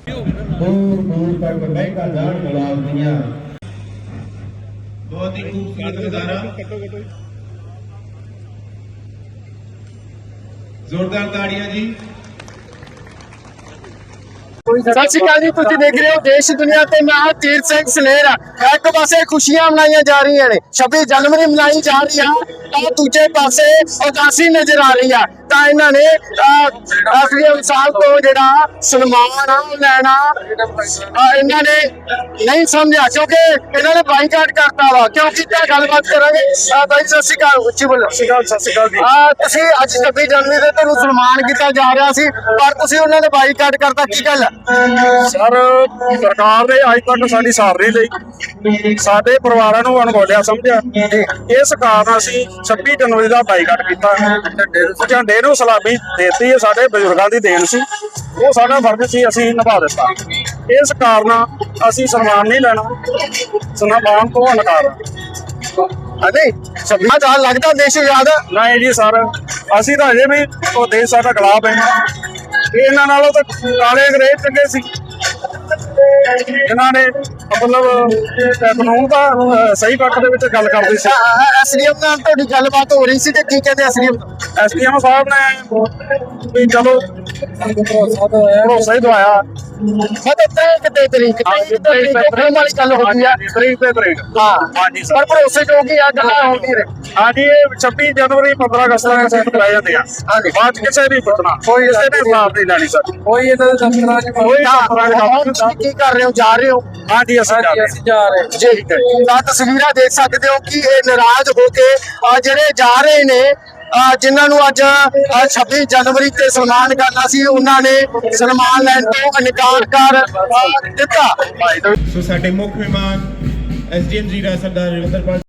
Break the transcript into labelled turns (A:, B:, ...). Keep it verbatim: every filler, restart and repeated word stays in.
A: दूर दूर तक महंगा जान गुलाब दिया। बहुत ही खूबसूरत नजारा। जोरदार ताड़ियां जी।
B: सत श्री अकाल जी, तुसीं देख रहे हो देश दुनिया ते मैं हां तीर सिंह सलेर। एक पासे खुशियां मनाई जा रही ने, छब्बीस जनवरी मनाई जा रही है, दूजे पासे उदासी नजर आ रही है। ਤਾਂ ਇਹਨਾਂ ਨੇ ਐਸਡੀਐਮ ਸਾਹਿਬ ਤੋਂ ਜਿਹੜਾ ਸਨਮਾਨ ਆ ਉਹ ਲੈਣਾ ਇਹਨਾਂ ਨੇ ਨਹੀਂ ਸਮਝਿਆ, ਕਿਉਂਕਿ ਇਹਨਾਂ ਨੇ ਬਾਈਕਾਟ ਕਰਤਾ ਵਾ। ਕਿਉਂ ਕੀਤਾ, ਗੱਲਬਾਤ ਕਰਾਂਗੇ। ਬਾਈ ਸਤਿ ਸ਼੍ਰੀ ਅਕਾਲ, ਉੱਚੀ ਬੋਲੋ। ਸਤਿ ਸ਼੍ਰੀ ਅਕਾਲ ਜੀ। ਤੁਸੀਂ ਅੱਜ ਛੱਬੀ ਜਨਵਰੀ ਤੇ ਤੁਹਾਨੂੰ ਸਨਮਾਨ ਕੀਤਾ ਜਾ ਰਿਹਾ ਸੀ, ਪਰ ਤੁਸੀਂ ਉਹਨਾਂ ਨੇ ਬਾਈਕਾਟ ਕਰਤਾ, ਕੀ ਗੱਲ ਹੈ?
C: ਸਰ, ਸਰਕਾਰ ਨੇ ਅੱਜ ਤੱਕ ਸਾਡੀ ਸਾਰ ਨਹੀਂ ਲਈ, ਸਾਡੇ ਪਰਿਵਾਰਾਂ ਨੂੰ ਅਣਗੌਲਿਆ ਸਮਝਿਆ। ਇਸ ਕਾਰਨ ਅਸੀਂ ਛੱਬੀ ਜਨਵਰੀ ਦਾ ਬਾਈਕਾਟ ਕੀਤਾ। ਝੰਡੇ ਨੂੰ ਸਲਾਮੀ ਦੇਤੀ, ਸਾਡੇ ਬਜ਼ੁਰਗਾਂ ਦੀ ਦੇਣ ਸੀ, ਉਹ ਸਾਡਾ ਫਰਜ਼ ਸੀ, ਅਸੀਂ ਨਿਭਾ ਦਿੱਤਾ। ਇਸ ਕਾਰਨ ਅਸੀਂ ਸਨਮਾਨ ਨਹੀਂ ਲੈਣਾ, ਸਨਮਾਨ ਤੋਂ ਇਨਕਾਰ।
B: ਅਰੇ ਛੱਬੀ ਦਾ ਲੱਗਦਾ ਦੇਸ਼ ਆਜ਼ਾਦ
C: ਨਹੀਂ ਜੀ ਸਰ, ਅਸੀਂ ਤਾਂ ਅਜੇ ਵੀ ਉਹ ਦੇਸ਼ ਸਾਡਾ ਗੁਲਾਮ ਹੈ। ਇਹਨਾਂ ਨਾਲੋਂ ਤਾਂ ਕਾਲੇ ਅੰਗਰੇਜ਼ ਚੰਗੇ ਸੀ, ਇਹਨਾਂ ਨੇ ਮਤਲਬ ਕਾਨੂੰਨ ਦਾ ਸਹੀ ਪੱਖ ਦੇ ਵਿੱਚ ਗੱਲ ਕਰਦੇ ਸੀ।
B: ਐਸਡੀਐਮ ਨਾਲ ਤੁਹਾਡੀ ਗੱਲਬਾਤ ਹੋ ਰਹੀ ਸੀ ਤੇ ਕੀ ਕਹਿੰਦੇ ਐਸਡੀਐਮ?
C: ਐਸਡੀਐਮ ਸਾਹਿਬ ਨੇ ਵੀ ਚਲੋ ਭਰੋਸਾ ਹੀ ਦਵਾਇਆ।
B: ਮਤਲਬ ਕਿਤੇ ਤਰੀਕ ਤੇ ਵਾਲੀ ਗੱਲ ਹੋ ਗਈ ਆ,
C: ਤਰੀਕ ਤੇ ਤਰੀਕ।
B: ਹਾਂ
C: ਹਾਂਜੀ
B: ਪਰ ਭਰੋਸੇ ਜੋ ਕਿ ਆ ਗੱਲਾਂ ਹੋ ਨਹੀਂ ਰਹੀ।
C: ਹਾਂਜੀ, ਇਹ ਛੱਬੀ ਜਨਵਰੀ ਪੰਦਰਾਂ ਅਗਸਤ ਨੂੰ ਸਿੱਖ ਕਰਾਏ ਜਾਂਦੇ ਆ।
B: ਹਾਂਜੀ,
C: ਬਾਅਦ ਕਿਸੇ ਵੀ ਪੁੱਛਣਾ, ਕੋਈ ਕਿਸੇ ਨੇ ਖਿਲਾਫ ਨਹੀਂ ਲੈਣੀ ਸਰ।
B: ਕੋਈ ਇਹਨਾਂ ਦੇ ਦਫ਼ਤਰਾਂ 'ਚ ਕੋਈ ਕੀ ਕਰ ਰਹੇ ਹੋ, ਜਾ ਰਹੇ ਹੋ?
C: ਹਾਂਜੀ, ਅਸੀਂ ਜਾ ਰਹੇ
B: ਅਸੀਂ ਜਾ ਰਹੇ ਜੀ। ਤਾਂ ਤਸਵੀਰਾਂ ਦੇਖ ਸਕਦੇ ਹੋ ਕਿ ਇਹ ਨਾਰਾਜ਼ ਹੋ ਕੇ ਜਿਹੜੇ ਜਾ ਰਹੇ ਨੇ, ਜਿਨ੍ਹਾਂ ਨੂੰ ਅੱਜ ਛੱਬੀ ਜਨਵਰੀ ਤੇ ਸਨਮਾਨ ਕਰਨਾ ਸੀ, ਉਹਨਾਂ ਨੇ ਸਨਮਾਨ ਲੈਣ ਤੋਂ ਇਨਕਾਰ ਕਰ ਦਿੱਤਾ।
A: ਸੋ ਸਾਡੇ ਮੁੱਖ ਮਹਿਮਾਨ ਐਸਡੀਐਮ ਜੀ ਦਾ ਸਰਦਾਰ ਰਵਿੰਦਰਪਾਲ